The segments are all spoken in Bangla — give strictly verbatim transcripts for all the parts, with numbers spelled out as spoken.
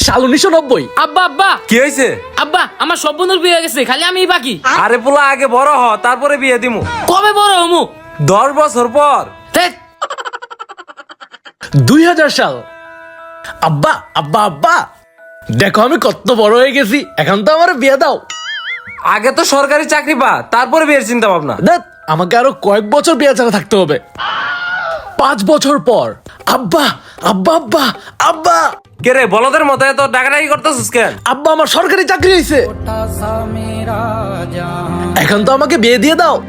সাল উনিশশো নব্বই। আব্বা আব্বা কি হয়েছে? আব্বা আমার সব বন্ধুর বিয়ে হয়ে গেছে, খালি আমি বাকি। আরে পোলা আগে বড় হ, তারপরে বিয়ে দিমু। কবে বড় হমু? দশ বছর পর। ধ্যাৎ, দুই হাজার সাল। আব্বা আব্বা আব্বা দেখো আমি কত বড় হয়ে গেছি, এখন তো আমার বিয়ে দাও। আগে তো সরকারি চাকরি পা, তারপরে বিয়ের চিন্তা ভাবনা। দেখ আমাকে আরো কয়েক বছর বিয়ে ছাড়া থাকতে হবে। পাঁচ বছর পর আব্বা আব্বা আব্বা আব্বা কে রে বলদের মতো এত ডাকাডাকি করতেছিস কেন? আব্বা আমার সরকারি চাকরি হয়েছে, এখন তো আমাকে বিয়ে দিয়ে দাও।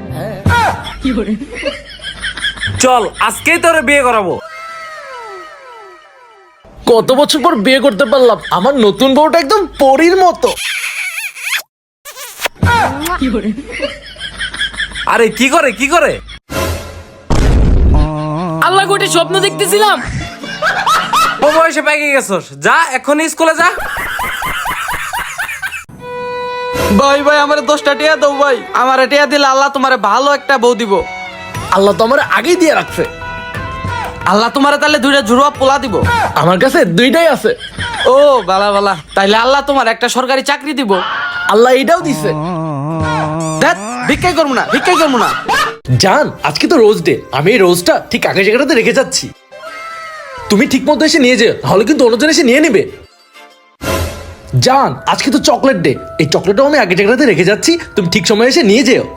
চল আজকেই তোরে বিয়ে করাবো। কত বছর পর বিয়ে করতে পারলাম, আমার নতুন বউটা একদম পরীর মতো। আরে কি করে কি করে? আল্লাহ গোটে স্বপ্ন দেখতেছিলাম। ও বয়সে পেকে গেছস, যা এখনই স্কুলে যা। ভাই ভাই আমার দশটা টিয়া দাও ভাই, আমার টিয়া দিলে আল্লাহ তোমারে ভালো একটা বউ দিব। আল্লাহ তো আমার আগেই দিয়ে রাখছে, আল্লাহ তোমারে তাহলে দুইটা জুড়ুয়া পোলা দিব। আমার কাছে দুইটাই আছে। ও বালা বালা, তাইলে আল্লাহ তোমার একটা সরকারি চাকরি দিব। আল্লাহ এটাও দিছে। ধ্যাৎ, ভিক্ষাই করবো না ভিক্ষাই করবো না। জান আজকে তো রোজ ডে, আমি এই রোজটা ঠিক আগে জায়গাটাতে রেখে যাচ্ছি, তুমি ঠিক মতো এসে নিয়ে যেও, তাহলে কিন্তু অন্যজন এসে নিয়ে নিবে। জান আজকে তো চকলেট ডে, এই চকলেটটাও আমি আগে জায়গাটাতে রেখে যাচ্ছি, তুমি ঠিক সময় এসে নিয়ে যেও।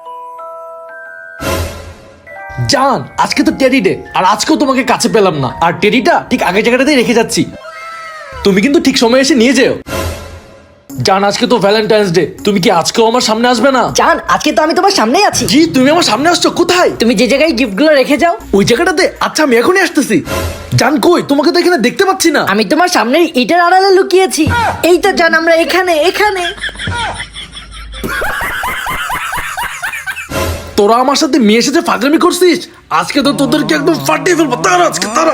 জান আজকে তো টেডি ডে, আর আজকেও তোমাকে কাছে পেলাম না, আর টেডিটা ঠিক আগে জায়গাটাতে রেখে যাচ্ছি, তুমি কিন্তু ঠিক সময় এসে নিয়ে যেও। জান আজকে তো ভ্যালেন্টাইন্স ডে, তুমি কি আজকেও আমার সামনে আসবে না? জান আজকে তো আমি তোমার সামনেই আছি। জি তুমি আমার সামনে আসছো কোথায়? তুমি যে জায়গায় গিফটগুলো রেখে যাও ওই জায়গাটাতে? আচ্ছা আমি এখনই আসতেছি। জান কই, তোমাকে তো এখানে দেখতে পাচ্ছি না। আমি তোমার সামনের ইটের আড়ালে লুকিয়েছি। এই তো জান আমরা এখানে এখানে। তোরা আমার সাথে মেয়ে এসেছে ফাজলামি করছিস, আজকে তো তোদেরকে একদম ফাটিয়ে ফেলবো। তারা আজকে তারা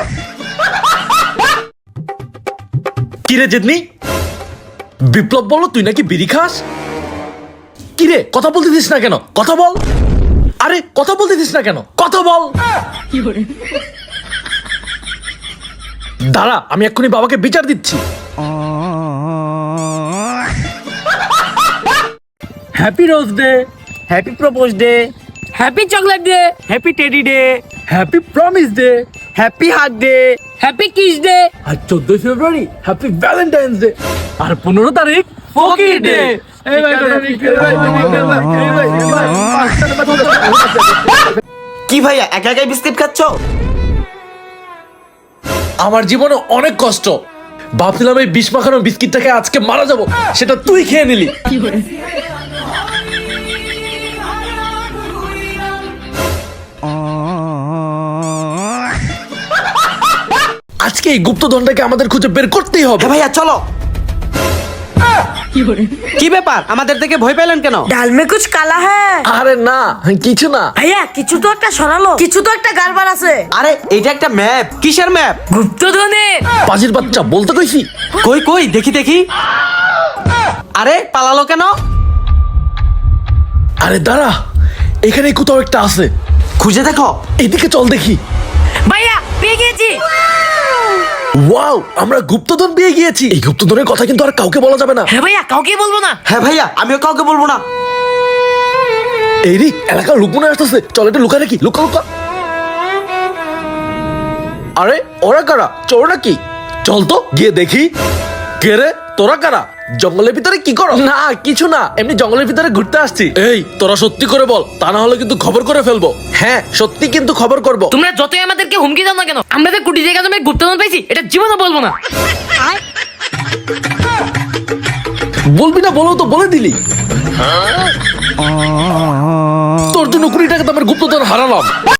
কিরে জেদনি, বিপ্লব বলো তুই নাকি বিড়ি খাস? কিরে কথা বলতেছিস না কেন? কথা বল। আরে কথা বলতেছিস না কেন? কথা বল। দাঁড়া আমি এক্ষুনি বাবাকে বিচার দিচ্ছি। Happy rose day, happy propose day, happy chocolate day, happy teddy day, happy promise day, happy hug day, happy kiss day, আর চোদ্দই ফেব্রুয়ারি হ্যাপি ভ্যালেন্টাইন্স ডে, আর পনেরো তারিখ ফকির ডে। কি ভাইয়া একা একাই বিস্কিট খাচ্ছ? আমার জীবনে অনেক কষ্ট, ভাবছিলাম এই বিষ মাখানো বিস্কিটটাকে আজকে মারা যাব, সেটা তুই খেয়ে নিলি। আজকে এই গুপ্তধনটাকে আমাদের খুঁজে বের করতেই হবে। হ্যাঁ ভাইয়া চলো। কি ব্যাপার, আমাদের থেকে ভয় পেলেন কেন? ডাল মে কুছ কালা হ্যাঁ। আরে না কিছু না। ভাইয়া কিছু তো একটা সরালো, কিছু তো একটা গাড়বার আছে। আরে এইটা একটা ম্যাপ। কিসের ম্যাপ? গুপ্তধনের। পাজির বাচ্চা বলতে কইছি। কই কই দেখি দেখি। আরে পালালো কেন? আরে দাঁড়া, এখানে কোথাও একটা আছে, খুঁজে দেখো। এদিকে চল দেখি। ভাইয়া পেয়ে গেছি। ওয়াও আমরা গুপ্তধন পেয়ে গিয়েছি। এই গুপ্তধনের কথা কিন্তু আর কাউকে বলা যাবে না। হ্যাঁ ভাইয়া কাউকে বলবো না। হ্যাঁ ভাইয়া আমিও কাউকে বলবো না। এই রে এলাকার লোক মনে আসতেছে, চল এটা লুকা নাকি, লুকা লুকা। আরে ওরা কারা, চোর নাকি? চল তো গিয়ে দেখি। কে রে তোরা কারা, জঙ্গলের ভিতরে কি করো? না কিছু না, এমনি জঙ্গলের ভিতরে ঘুরতে আসছি। এই তোরা সত্যি করে বল, তা না হলে কিন্তু খবর করে ফেলবো। হ্যাঁ সত্যি কিন্তু খবর করব। তোমরা যতই আমাদেরকে হুমকি দাও না কেন, আমরা যে কোটি জায়গা জমি গুপ্তধন পাইছি এটা জীবনে বলবো না। বলবি না বলো তো বলে দিলি। তোর জন্য কুড়ি টাকা তো আমার গুপ্তধন হারালাম।